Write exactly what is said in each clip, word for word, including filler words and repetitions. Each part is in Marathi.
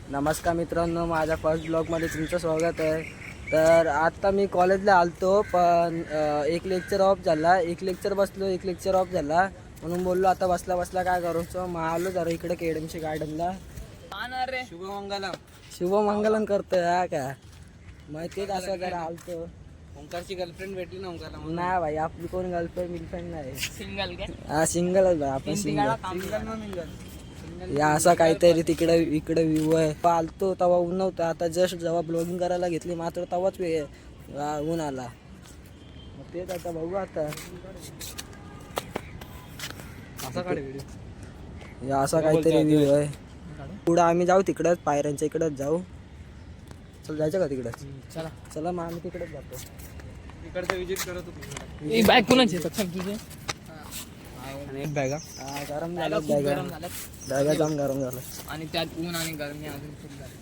नमस्कार मित्रांनो, माझ्या फर्स्ट ब्लॉगमध्ये तुमचं स्वागत आहे. तर आता मी कॉलेजला आलतो, पण एक लेक्चर ऑफ झाला, एक लेक्चर बसलो, एक लेक्चर ऑफ झाला, म्हणून बोललो आता बसला बसला काय करू. सो मग आलो जरा इकडे केडमशी गार्डनला. शुभमंगलम शुभमंगलम करतोय हा का, मग तेच असं जरा आलतो. ओंकारची गर्लफ्रेंड भेटली ना ओंकारला? नाही भाई, आपली कोण गर्लफ्रेंड मिलफ्रेंड नाही. सिंगल काय? हा सिंगलच भाई, आपण सिंगल. सिंगल ना मिंगल या असा काहीतरी तिकडे इकडे व्ह्यू आहे. आलतो तेव्हा ऊन नव्हतं, आता जस्ट जेव्हा ब्लॉगिंग करायला घेतली मात्र तेव्हाच वे ऊन आला. मग तेच आता बघू आता असा काढ व्हिडिओ. या असा काहीतरी व्ह्यू आहे. पुढं आम्ही जाऊ तिकडंच, पायऱ्यांच्या इकडंच जाऊ. चल जायचं का तिकडंच? चला चला मग आम्ही तिकडेच जातो. इकडचं विजिट करत होतो. ही बॅग कोणाची सक्षम तुझे? आणि एक बॅगा हा गरम झालं, खूप बॅगा गरम झालं बॅगा जाम गरम झालं. आणि त्यात ऊन आणि गरमी अजून खूप झाली.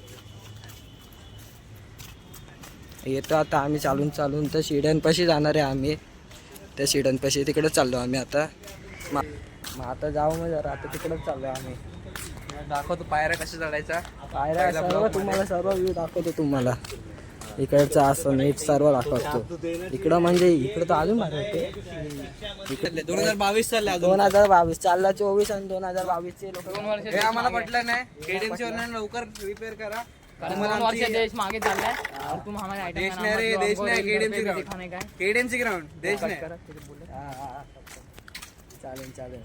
येतो आता आम्ही चालून चालून तर शिड्यांपाशी जाणार आहे आम्ही. त्या शिड्यांपाशी तिकडे चाललो आम्ही आता. मग आता जाऊ मग जरा, आता तिकडेच चाललो आम्ही. दाखवतो पायऱ्या कशा चढायचा. पायऱ्या सर्व तुम्हाला सर्व व्ह्यू दाखवतो तुम्हाला. इकडचं असं नीट सर्व दाखवतो. इकडं म्हणजे इकडं तर अजून भारी होते. इकडे दोन हजार बावीस चालले अजून. दोन हजार बावीस चालला, चोवीस आणि दोन हजार बावीस चे लोक. दोन वर्ष हे आम्हाला पटलं नाही. केडीएमची ऑनलाईन लवकर रिपेअर करा. कारण दोन वर्ष देश मागे चाललाय और तुम हमारे आइटम देश नाही रे, देश नाही. केडीएमची ग्राउंड, दिखाने का है. केडीएमची ग्राउंड देश नाही. हा, हा, हा. चालेल चालेल,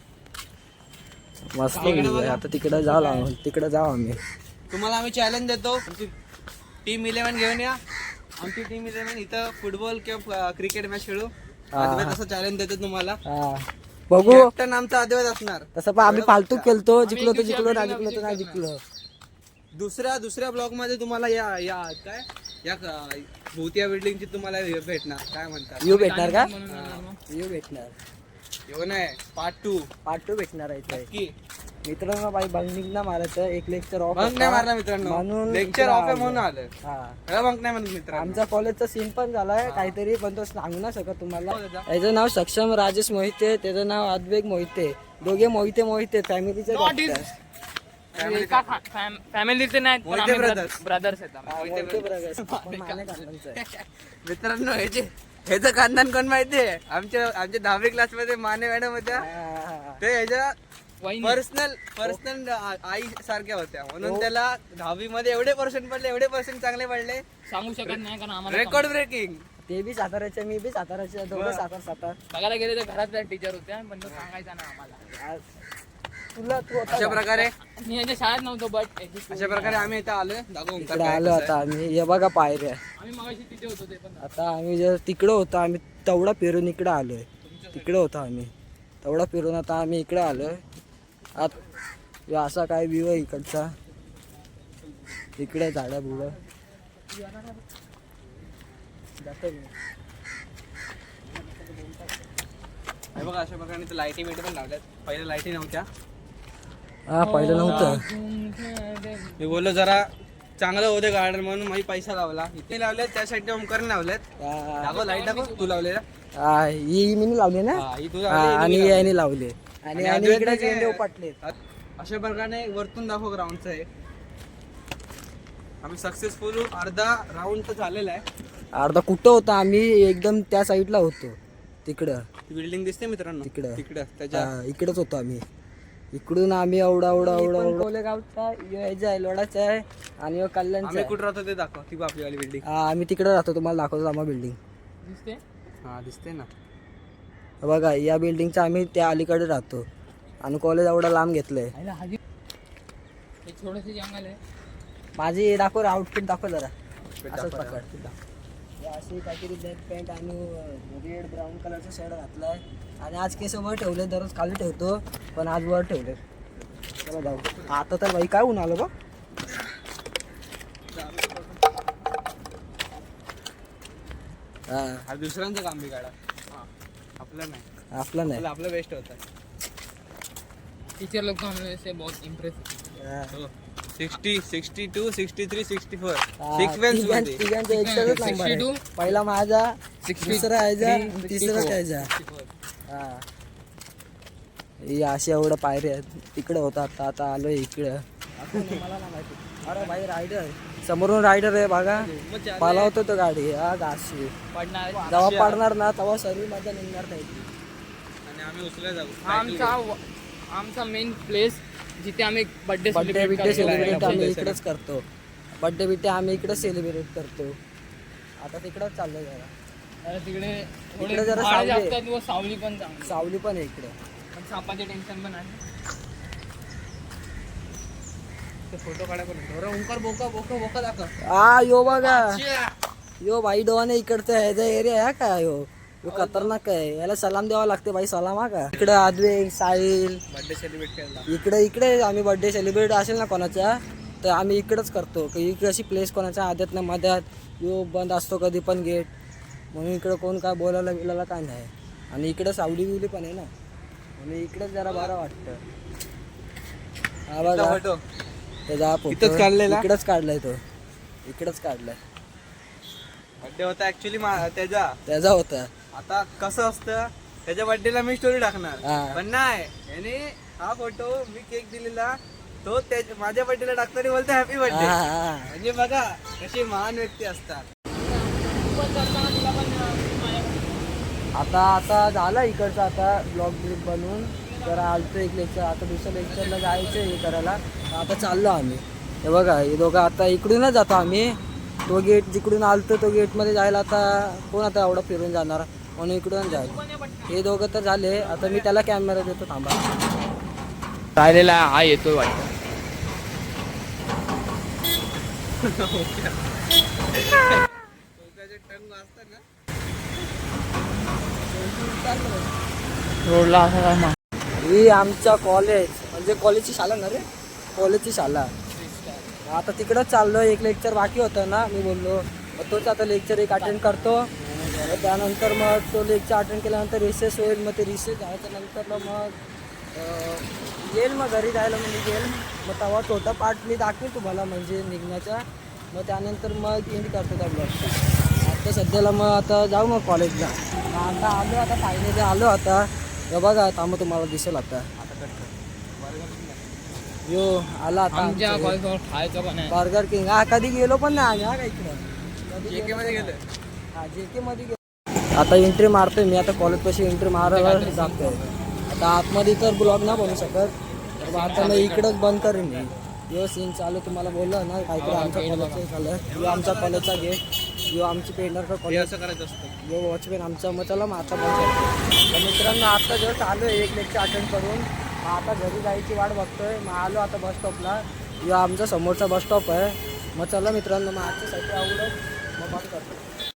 मस्त व्ह्यू आहे. आता तिकडं जाऊ लागून तिकडं जाऊ आम्ही. तुम्हाला आम्ही चॅलेंज देतो, टीम इलेव्हन घेऊन या. आमची टीम इलेव्हन इथं फुटबॉल किंवा क्रिकेट मॅच खेळू. आदिवास असं चॅलेंज देतो तुम्हाला. हा बघू. कॅप्टन आमचा आदिवास असणार. तसं पण आम्ही फालतू केलतो, जिंकलो तर जिंकलो, नाही जिंकलो तर नाही जिंकलो. दुसऱ्या दुसऱ्या ब्लॉग मध्ये तुम्हाला या या काय या क- भोवती बिल्डिंगची तुम्हाला हे भेटणार, काय म्हणतात, व्ह्यू भेटणार का? म्हणून म्हणणार मग. व्ह्यू भेटणार, येऊ नाही पार्ट टू पार्ट टू भेटणार आहे इथे. की मित्रांनो बाई बंक ना मारायचं, एक लेक्चर ऑफ बंक नाही मारला मित्रांनो, म्हणून लेक्चर इकडं ऑफ आहे आलो. म्हणून आलं. हा, बंक नाही म्हणत मित्रांनो. आमचा कॉलेजचा सीन पण झालाय काहीतरी, पण तो सांगू ना शकत तुम्हाला. हो दादा. याचं नाव सक्षम राजेश मोहिते, त्याचं नाव अद्वेग मोहिते. दोघे मोहिते मोहिते फॅमिलीचे Not his- Family एका फॅ- फॅम- फॅमिलीचे नाहीत, पण मोहिते आम्ही brothers. ब्रदर्स आहेत आम्ही. मित्रांनो ह्याचे ह्याचं खानदान कोण माहितीये? आमच्या आमच्या दहावी क्लास मध्ये माने मॅडम होत्या. ते ह्याच्या वहिनी. पर्सनल पर्सनल आई सारख्या होत्या, म्हणून त्याला दहावी मध्ये एवढे पर्सेंट पडले, एवढे पर्सेंट चांगले पडले. सांगू शकत नाही कारण आम्हाला रेकॉर्ड ब्रेकिंग. ते बी साताऱ्याचे, मी बी साताऱ्याचे, दोघे सातार सातार. बघायला गेले तर घरातल्या टीचर होत्या, पण तो सांगायचा ना आम्हाला. आज तुला तू होता अशा का? प्रकारे मी याच्या शाळेत नव्हतो, बट अशा प्रकारे आम्ही इथं आलोय. दाखव ओंकार इकडे काय आलो कसं आता आम्ही. हे बघा पायऱ्या. आम्ही मगाशी तिथे होतो ते पण. आता आम्ही जर तिकडं होतो, आम्ही तेवढा फिरून इकडं आलोय. तिकडे होतो आम्ही, तेवढा फिरून आता आम्ही इकडे आलोय. आत हे असा काय व्ह्यू आहे इकडचा. इकडे झाडं बुडं जातो मी. हे बघा अशा प्रकारे इथं लाईटी बिटी पण लावल्यात. पहिल्या लाईटी नव्हत्या. हा पहिलं नव्हतं. मी बोललो जरा चांगलं होते गार्डन म्हणून मी पैसा लावला. इथे लावल्यात, त्या साईडने ओमकारने लावल्यात. हा, दाखव लाईट दाखव तू लावलेला. हा, ही मी लावली ना. हा, ही तू हा, लावली, आणि ही याने लावले. आणि आणि आणि अद्वैतने इकडे काय- झेंडे उपटले. अशा प्रकारे वरतून दाखव ग्राउंडचं आहे. आम्ही सक्सेसफुल अर्धा राऊंड तर झालेला आहे. अर्धा कुठं होतं, आम्ही एकदम त्या साईडला होतो. तिकडं ती बिल्डिंग दिसते मित्रांनो तिकडं. तिकडं त्याच्या हा, इकडेच होतो आम्ही. इकडून आम्ही एवढा एवढा एवढा कोलेगावचा यायचा आहे, लोडाचा आहे, आणि ह्यो कल्याणचा आम्ही आहे. कुठं राहतो ते दाखव. ती आपली वाली बिल्डिंग. हा, आम्ही तिकडे राहतो, तुम्हाला दाखवतो आम्हा बिल्डिंग. दिसते हा दिसते ना. बघा या बिल्डिंगचा आम्ही त्या अलीकडे राहतो, आणि कॉलेज एवढा लांब घेतलंय. आईला हाजी हे थोडंसं जंगल आहे. माझी दाखव आउटफिट दाखव जरा. दाखव, असंच दाखव. पकड. हे अशी काहीतरी ब्लॅक पॅन्ट आणि रेड ब्राऊन कलरचा शर्ट घातलाय, आणि आज केस वर ठेवले, दररोज खाली ठेवतो पण आज वर ठेवले. चला जाऊ. आता तर बाई काय ऊन आलं बघ. हा, हा दुसऱ्यांचं काम बिघाडा. आपलं नाही. आपला नाही. आपलं आपलं बेस्ट होतं. टीचर लोग तो हमें से बहुत इम्प्रेस हा. Sixty sixty two sixty three sixty four हा, सिक्स बेंच तिघां- मध्ये. तिघांचा एकसारखाच नंबर आहे. sixty-two, पहिला माझा, sixty- दुसरा यायचा, three, आणि तिसरा sixty-four. त्याचा. हा, ही अशी एवढं पायऱ्या आहेत. तिकडं होता आता, आता आलोय इकडं. कोण आहे मला नाही माहिती. अरे भाई रायडर समोरून रायडर आहे बघा, पालावतो तो गाडी हा घाशी. पडणार जेव्हा पडणार ना तेव्हा सर्व मजा निघणार नाही. आणि आम्ही उचलला जाऊ आमचा आमचा मेन प्लेस जिथे आम्ही बर्थडे बड्डे बिड्डे सेलिब्रेट आम्ही इकडेच करतो. बड्डे बिड्डे आम्ही इकडेच सेलिब्रेट करतो. आता तिकडंच चाललोय जरा. तिकडे इकडे जरा झाडं सावली जास्त आहे. आहेत व सावली पण चांगली. सावली पण आहे इकडे. पण सापाचे टेन्शन पण आहे. फोटो काढा पण बरं. ओंकार बोका बोका बोका दाखव. हा यो बघा यो भाई डोवाने इकडचा ह्याचा एरिया आहे का यो यो खतरनाक आहे. याला सलाम द्यावा लागते भाई. सलाम हा का. इकडे आद्वे साहिल बर्थडे सेलिब्रेट करायला इकडे इकडे आम्ही बर्थडे सेलिब्रेट असेल ना कोणाचा तर आम्ही इकडेच करतो. इकडे अशी प्लेस कोणाच्या आद्यात ना मध्यात यो बंद असतो कधी पण गेट, म्हणून इकडे कोण काय बोलायला बिलायला काय नाही. आणि इकडे सावली बिवली पण आहे ना, आणि इकडेच जरा बरं वाटतं. हा बघा फोटो त्याचा इथंच काढलेला? इकडेच काढलाय तो. इकडेच काढलाय. बर्थडे होता ऍक्च्युली त्याचा त्याचा होता. आता कसं असतं त्याच्या बर्थडेला मी स्टोरी टाकणार हा. पण नाही याने हा फोटो मी केक दिलेला तो त्या- माझ्या बर्थडेला टाकताना बोलतो हॅपी बर्थडे. हा, हा. म्हणजे बघा कशी महान व्यक्ती असतात. आता आता झाला इकडचं आता ब्लॉग ब्रिक बनवून जरा आलतो एक लेक्चर. आता दुसऱ्या लेक्चरला जायचं हे करायला. आता चाललो आम्ही. हे बघा हे दोघं आता इकडूनच जातो आम्ही. तो गेट जिकडून आलतो तो गेटमध्ये जायला आता कोण आता एवढं फिरून जाणार, म्हणून इकडून जाईल. हे दोघं तर झाले. आता मी त्याला कॅमेरा देतो थांबा. राहिलेला हा येतोय वाटतं. रोडला असं काय मा- ही आमच्या कॉलेज म्हणजे कॉलेजची शाळा ना रे, कॉलेजची शाळा. आता तिकडंच चाललोय. एक लेक्चर बाकी होतं ना, मी बोललो मग तोच आता लेक्चर एक अटेंड करतो. मग त्यानंतर मग तो लेक्चर अटेंड केल्यानंतर रिसेस होईल. मग ते रिसेस झाल्याच्या नंतर मग अं, येईल मग घरी जायला म्हणजे येईल. मग तेव्हा छोटा पार्ट मी दाखवेल तुम्हाला म्हणजे निघण्याचा. मग त्यानंतर मग एंड करतो त्या ब्लॉगचा. आता सध्याला मग आता जाऊ मग कॉलेजला. आता आलो आता फायनली आलो आता. हे बघा थांबा तुम्हाला दिसेल आता. यो आला आता आमच्या आमचं हे. कॉलेजवर खायचं पण आहे. बर्गर किंग हा कधी गेलो पण नाही आम्ही हा का इकडं कधी JK मध्ये गेलो. हा जे के मध्ये गेलो. आता एंट्री मारतोय मी. आता कॉलेज पाशी एंट्री मारायला जातोय. आता आतमध्ये तर ब्लॉग नाही बनवू शकत, तर आता मी इकडंच बंद करेन मी. यो सीन चालू तुम्हाला बोललं ना काहीतरी आमच्या कॉलेजचं झालं. यो आमच्या कॉलेजचा गेट, यो आमची पेंडर का हे कॉलेज, असं करायचं असतं. यो वॉचमॅन आमचा. मग चला मग आता बंद करतो. तर मित्रांनो आता जस्ट आलो आहे एक लेक्चर अटेंड करून. मग आता घरी जायची वाट बघतोय. मग आलो आता बस स्टॉपला. यो आमचा समोरचा बस स्टॉप आहे. मग चला मित्रांनो मग आजच्यासाठी आवडत मग बंद करतो.